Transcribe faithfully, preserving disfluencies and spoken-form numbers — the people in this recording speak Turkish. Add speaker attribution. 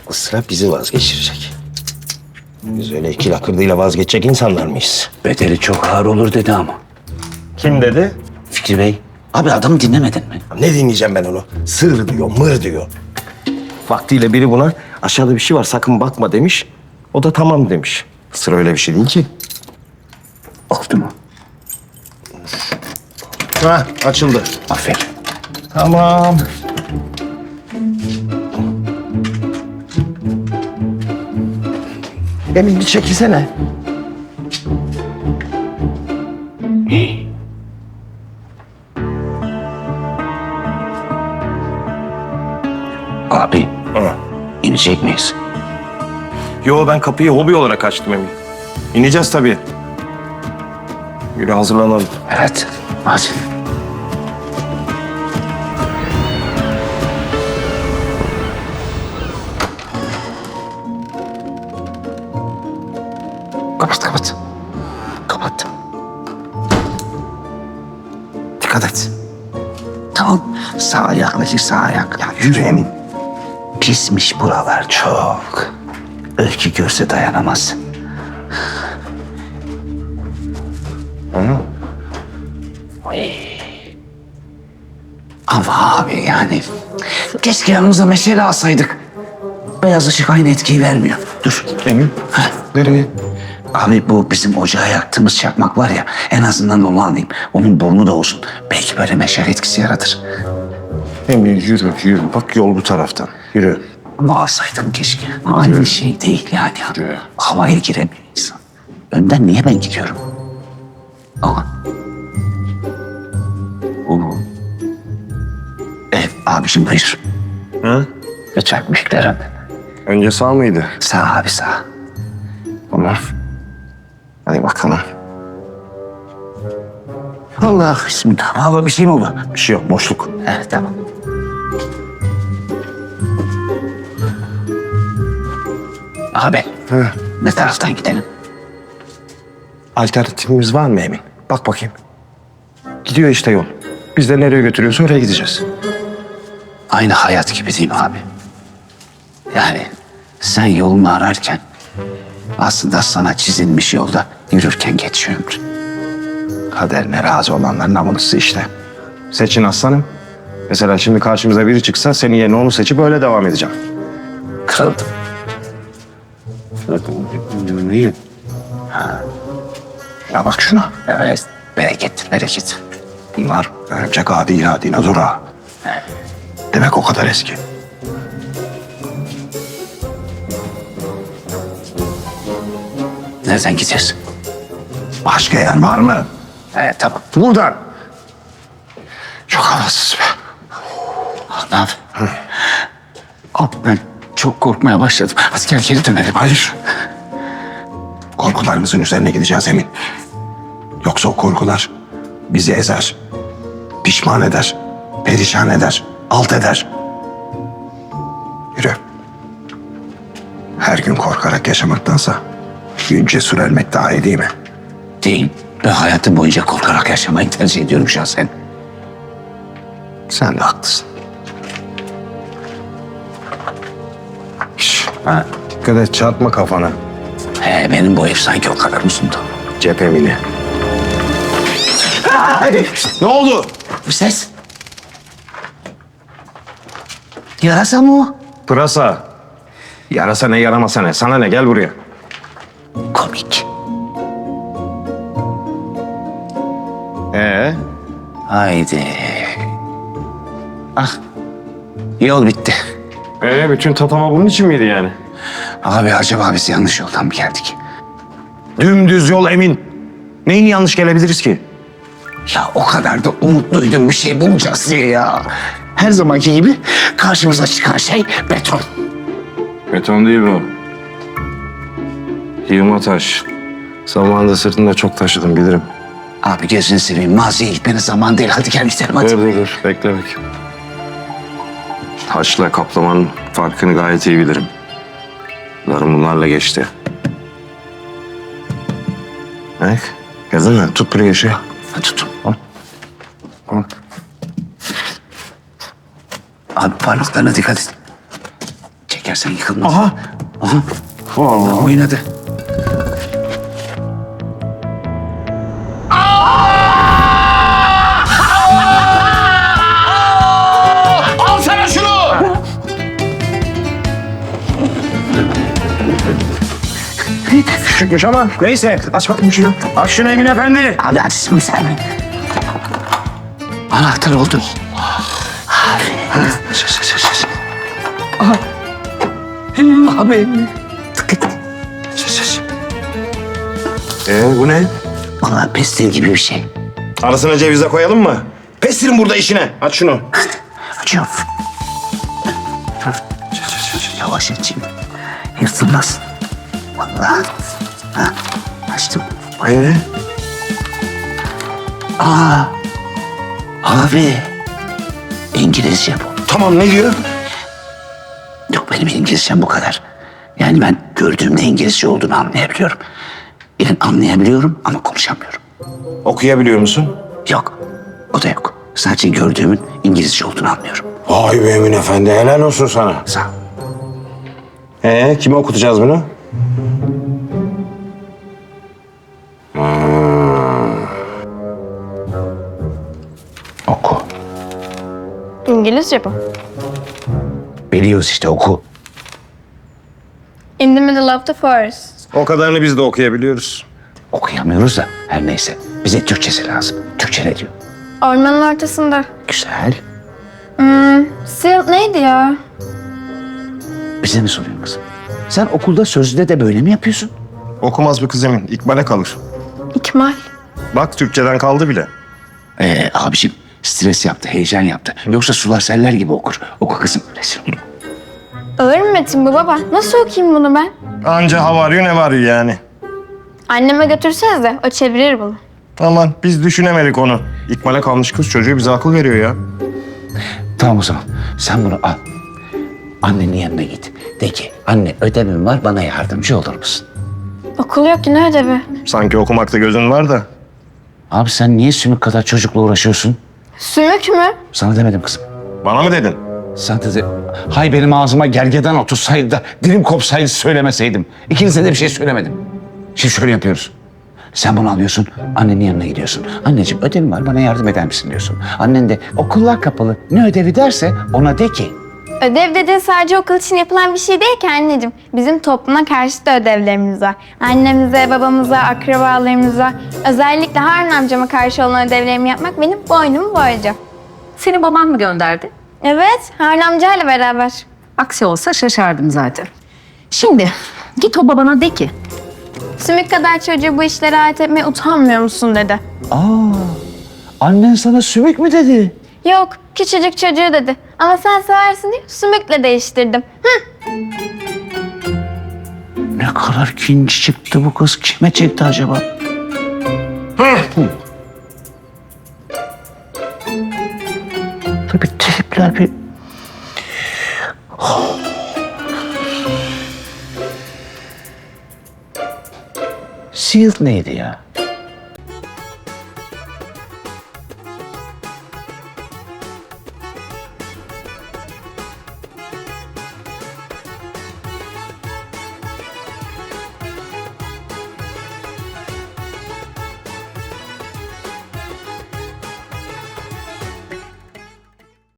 Speaker 1: aklı sıra bizi vazgeçirecek. Biz öyle iki lakırdıyla vazgeçecek insanlar mıyız?
Speaker 2: Bedeli çok ağır olur dedi ama.
Speaker 1: Kim dedi?
Speaker 2: Fikri Bey. Abi adamı dinlemedin mi?
Speaker 1: Ne dinleyeceğim ben onu? Sır diyor, mır diyor. Vaktiyle biri buna aşağıda bir şey var sakın bakma demiş. O da tamam demiş. Sır öyle bir şey değil ki.
Speaker 2: Oldu mu?
Speaker 1: Ha, açıldı.
Speaker 2: Aferin.
Speaker 1: Tamam. Emin bir çekilsene.
Speaker 2: Abi
Speaker 1: Hı.
Speaker 2: inecek miyiz?
Speaker 1: Yo ben kapıyı hobi olarak açtım Emin. İneceğiz tabii. Yürü hazırlanalım.
Speaker 2: Evet. Hadi. Kapat kapat. Kapat.
Speaker 1: Dikkat et.
Speaker 2: Tamam. Sağ ayaklıcı sağ ayak. Ya yürü Emin. Pismiş buralar çok. Öykü görse dayanamaz.
Speaker 1: Hı?
Speaker 2: Ama abi yani keşke yanımıza meşale alsaydık. Beyaz ışık aynı etkiyi vermiyor. Dur.
Speaker 1: Emin.
Speaker 2: Heh.
Speaker 1: Nereye?
Speaker 2: Abi bu bizim ocağa yaktığımız çakmak var ya, en azından onu alayım. Onun burnu da olsun. Belki böyle meşale etkisi yaratır.
Speaker 1: Emin yürü yürü. Bak yol bu taraftan. Yürü.
Speaker 2: Ama alsaydım keşke. Aynı şey değil yani.
Speaker 1: Yürü.
Speaker 2: Havaya giremiyor insan. Önden niye ben gidiyorum? Aa. Oo. Evet abiciğim buyur.
Speaker 1: Hı?
Speaker 2: Lütfen büyüklerim.
Speaker 1: Önce sağ mıydı?
Speaker 2: Sağ abi sağ.
Speaker 1: Tamam. Hadi bakalım.
Speaker 2: Allah bismillah. Abi bir şey mi oldu?
Speaker 1: Bir şey yok boşluk.
Speaker 2: Evet tamam. Abi
Speaker 1: Hı.
Speaker 2: ne taraftan gidelim?
Speaker 1: Alternatifimiz var mı Emin? Bak bakayım. Gidiyor işte yol. Biz de nereye götürüyorsa oraya gideceğiz.
Speaker 2: Aynı hayat gibi değil mi abi? Yani sen yolunu ararken aslında sana çizilmiş yolda yürürken geçiyor ömrün.
Speaker 1: Kaderine razı olanların namusu işte. Seçin aslanım. Mesela şimdi karşımıza biri çıksa senin yerine onu seçip öyle devam edeceğim.
Speaker 2: Kırıldım.
Speaker 1: Niye? Ya bak şuna.
Speaker 2: Evet. Bereket, bereket.
Speaker 1: Bunlar örümcek adi ila dinozora. Demek o kadar eski.
Speaker 2: Nereden gideceğiz?
Speaker 1: Başka yer var mı?
Speaker 2: Evet tamam.
Speaker 1: Buradan. Çok havasız be.
Speaker 2: Adam. Abi ben çok korkmaya başladım. Hadi gel geri dönelim.
Speaker 1: Hayır. Korkularımızın üzerine gideceğiz Emin. Yoksa o korkular bizi ezer. Pişman eder. Perişan eder. Alt eder. Yürü. Her gün korkarak yaşamaktansa gün cesur ölmek daha iyi değil mi?
Speaker 2: Değil. Ben hayatım boyunca korkarak yaşamayı tercih ediyorum şahsen.
Speaker 1: Sen de haklısın. Şş,
Speaker 2: Ha.
Speaker 1: dikkat et çarpma kafana.
Speaker 2: He, benim bu ev sanki o kadar uzundu.
Speaker 1: Cep Emine. Ne oldu?
Speaker 2: Bu ses. Yarasa mı o?
Speaker 1: Pırasa. Yarasa ne yaramasa ne. Sana ne gel buraya.
Speaker 2: Komik.
Speaker 1: Ee?
Speaker 2: Haydi. Ah. Yol bitti.
Speaker 1: Ee bütün tatava bunun için miydi yani?
Speaker 2: Abi acaba biz yanlış yoldan mı geldik?
Speaker 1: Dümdüz yol Emin. Neyini yanlış gelebiliriz ki?
Speaker 2: Ya o kadar da umutluydum bir şey bulacağız diye ya. Her zamanki gibi karşımıza çıkan şey beton.
Speaker 1: Beton değil bu. Yığma taş. Zamanında sırtında çok taşıdım bilirim.
Speaker 2: Abi gözünü seveyim maziye gitmenin zaman değil. Hadi gel gidelim hadi.
Speaker 1: Dur dur dur. Bekle bekle. Taşla kaplamanın farkını gayet iyi bilirim. Yıllarım bunlarla geçti. Bak. Gördün mü? Tut buraya şey.
Speaker 2: Hadi tutun.
Speaker 1: Al. Al.
Speaker 2: Abi parmaklarına dikkat et. Çek çekersen yıkılmaz.
Speaker 1: Aha.
Speaker 2: Aha.
Speaker 1: Vallahi.
Speaker 2: Oynadı.
Speaker 1: Al sana şunu! Küçükmüş ama neyse. Aç bakayım şunu. Aç şunu Emin Efendi.
Speaker 2: Abi açsın sen. Anahtar oldu. Abi. Abi.
Speaker 1: Ee, bu ne?
Speaker 2: Vallahi pestil gibi bir şey.
Speaker 1: Arasına cevize koyalım mı? Pestirin burada işine. Aç şunu.
Speaker 2: Açıyorum. Yavaş açayım. Yırtılmaz. Vallahi. Ha, açtım.
Speaker 1: Ee?
Speaker 2: Aa. Abi. İngilizce bu.
Speaker 1: Tamam ne diyor?
Speaker 2: Yok benim İngilizcem bu kadar. Yani ben gördüğümde İngilizce olduğunu anlayabiliyorum. Yani anlayabiliyorum ama konuşamıyorum.
Speaker 1: Okuyabiliyor musun?
Speaker 2: Yok. O da yok. Sadece gördüğümün İngilizce olduğunu anlıyorum.
Speaker 1: Vay be Emin Efendi. Helal olsun sana.
Speaker 2: Sağ ol.
Speaker 1: Ee, kime okutacağız bunu?
Speaker 2: Oku.
Speaker 3: İngilizce bu.
Speaker 2: Biliyoruz işte oku.
Speaker 3: In the middle of the forest.
Speaker 1: O kadarını biz de okuyabiliyoruz.
Speaker 2: Okuyamıyoruz da her neyse. Bize Türkçesi lazım. Türkçe ne diyor?
Speaker 3: Ormanın ortasında.
Speaker 2: Güzel.
Speaker 3: Hmm, Sil neydi ya?
Speaker 2: Bize mi soruyorsun kızım? Sen okulda sözlüde de böyle mi yapıyorsun?
Speaker 1: Okumaz bu kız Emin. İkbal'e kalır.
Speaker 3: İkmal.
Speaker 1: Bak Türkçeden kaldı bile.
Speaker 2: Ee, abiciğim stres yaptı, heyecan yaptı. Yoksa sular seller gibi okur. Oku kızım. Resim.
Speaker 3: Ağır mı metin bu baba? Nasıl okuyayım bunu ben?
Speaker 1: Anca hava arıyor ne var yani.
Speaker 3: Anneme götürseniz de o çevirir bunu.
Speaker 1: Aman biz düşünemedik onu. İkbal'e kalmış kız çocuğu bize akıl veriyor ya.
Speaker 2: Tamam o zaman. Sen bunu al. Annenin yanına git. De ki anne ödevim var bana yardımcı olur musun?
Speaker 3: Okul yok ki ne ödevi?
Speaker 1: Sanki okumakta gözün var da.
Speaker 2: Abi sen niye sümük kadar çocukla uğraşıyorsun?
Speaker 3: Sümük mü?
Speaker 2: Sana demedim kızım.
Speaker 1: Bana mı dedin?
Speaker 2: Sana dedi. Hay benim ağzıma gergedan otursaydı da dilim kopsaydı söylemeseydim. İkinize de bir şey söylemedim. Şimdi şöyle yapıyoruz. Sen bunu alıyorsun, annenin yanına gidiyorsun. Anneciğim ödevim var, bana yardım eder misin diyorsun. Annen de okullar kapalı, ne ödevi derse ona de ki...
Speaker 3: Ödev dediğin sadece okul için yapılan bir şey değil ki anneciğim. Bizim topluma karşı da ödevlerimiz var. Annemize, babamıza, akrabalarımıza, özellikle Harun amcama karşı olan ödevlerimi yapmak benim boynumu borcum.
Speaker 4: Seni baban mı gönderdi?
Speaker 3: Evet, Harun amcayla beraber.
Speaker 4: Aksi olsa şaşardım zaten. Şimdi git o babana de ki
Speaker 3: Sümük kadar çocuğu bu işlere ait etmeye utanmıyor musun dedi.
Speaker 2: Aa, annen sana sümük mü dedi?
Speaker 3: Yok, küçücük çocuğu dedi. Ama sen seversin diye sümükle değiştirdim. Hı.
Speaker 2: Ne kadar kinci çıktı bu kız. Kime çekti acaba? Hı. Tabii tripler bir... Shield neydi ya?